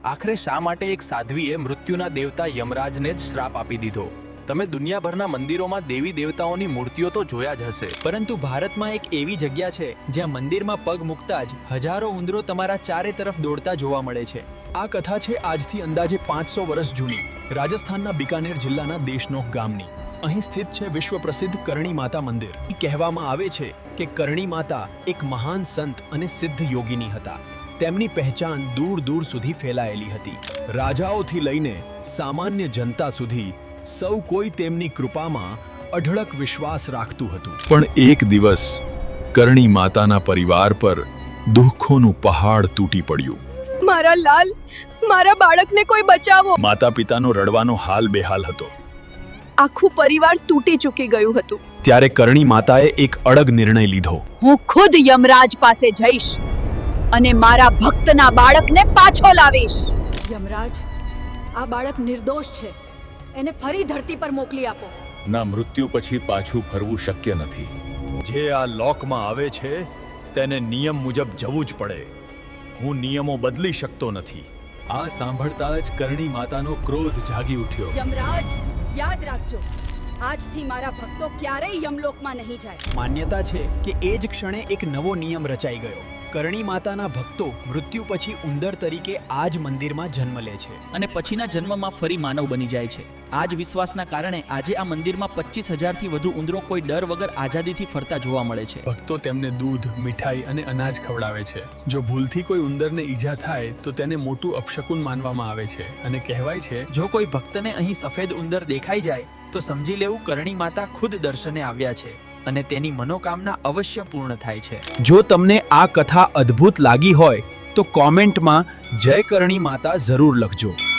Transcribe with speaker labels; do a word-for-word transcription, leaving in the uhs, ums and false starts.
Speaker 1: આખરે શા માટે એક સાધ્વીએ મૃત્યુના દેવતા યમરાજને જ શ્રાપ આપી દીધો? તમે દુનિયાભરના મંદિરોમાં દેવી દેવતાઓની મૂર્તિઓ તો જોયા જ હશે,
Speaker 2: પરંતુ ભારતમાં એક એવી જગ્યા છે જ્યાં મંદિરમાં પગ મૂકતા જ હજારો ઉંદરો તમારા ચારે તરફ દોડતા જોવા મળે છે. આ કથા છે આજથી અંદાજે પાંચસો વર્ષ જૂની, રાજસ્થાનના બિકાનેર જિલ્લાના દેશનોક ગામની. અહીં સ્થિત છે વિશ્વ પ્રસિદ્ધ કરણી માતા મંદિર. કહેવામાં આવે છે કે કરણી માતા એક મહાન સંત અને સિદ્ધ યોગીની હતા. તેમની પહેચાન દૂર દૂર સુધી ફેલાયેલી હતી. રાજાઓથી લઈને સામાન્ય જનતા સુધી સૌ કોઈ તેમની કૃપામાં અઢળક વિશ્વાસ રાખતું હતું.
Speaker 3: પણ એક દિવસ કરણી માતાના પરિવાર પર દુઃખોનું પહાડ તૂટી પડ્યું.
Speaker 4: મારા લાલ, મારા બાળકને કોઈ બચાવો.
Speaker 3: માતા પિતાનો રડવાનો હાલ બેહાલ હતો.
Speaker 4: આખું પરિવાર તૂટી ચૂકી ગયું હતું.
Speaker 3: ત્યારે કરણી માતાએ એક અડગ નિર્ણય લીધો.
Speaker 4: હું ખુદ યમરાજ પાસે જઈશ અને મારા ભક્તના બાળકને પાછો લાવીશ. યમરાજ, આ બાળક નિર્દોષ છે. એને ફરી ધરતી પર મોકલી આપો.
Speaker 3: ના, મૃત્યુ પછી પાછું ફરવું શક્ય નથી. જે આ લોકમાં આવે છે તેને નિયમ મુજબ જવું જ પડે. હું નિયમો બદલી શકતો નથી. આ સાંભળતા જ કરણી માતાનો ક્રોધ જાગી ઉઠ્યો.
Speaker 4: યમરાજ, યાદ રાખજો, આજથી મારા ભક્તો ક્યારેય યમલોકમાં નહીં જાય.
Speaker 2: માન્યતા છે કે એ જ ક્ષણે એક નવો નિયમ રચાઈ ગયો. કરણી માતાના ભક્તો મૃત્યુ પછી ઉંદર તરીકે આ જ મંદિરમાં જન્મ લે છે
Speaker 5: અને પછીના જન્મમાં ફરી માનવ બની જાય છે. આ જ વિશ્વાસના કારણે આજે આ મંદિરમાં પચીસ હજારથી વધુ ઉંદરો કોઈ ડર વગર આઝાદીથી ફરતા જોવા મળે છે.
Speaker 6: ભક્તો તેમને દૂધ, મીઠાઈ અને અનાજ ખવડાવે છે. જો ભૂલથી કોઈ ઉંદરને ઈજા થાય તો તેને મોટું અપશકુન માનવામાં આવે છે અને કહેવાય છે
Speaker 2: જો કોઈ ભક્તને અહીં સફેદ ઉંદર દેખાઈ જાય તો સમજી લેવું કરણી માતા ખુદ દર્શને આવ્યા છે અને તેની મનોકામના અવશ્ય પૂર્ણ થાય છે. જો તમને આ કથા અદ્ભુત લાગી હોય તો કોમેન્ટમાં જય કરણી માતા જરૂર લખજો.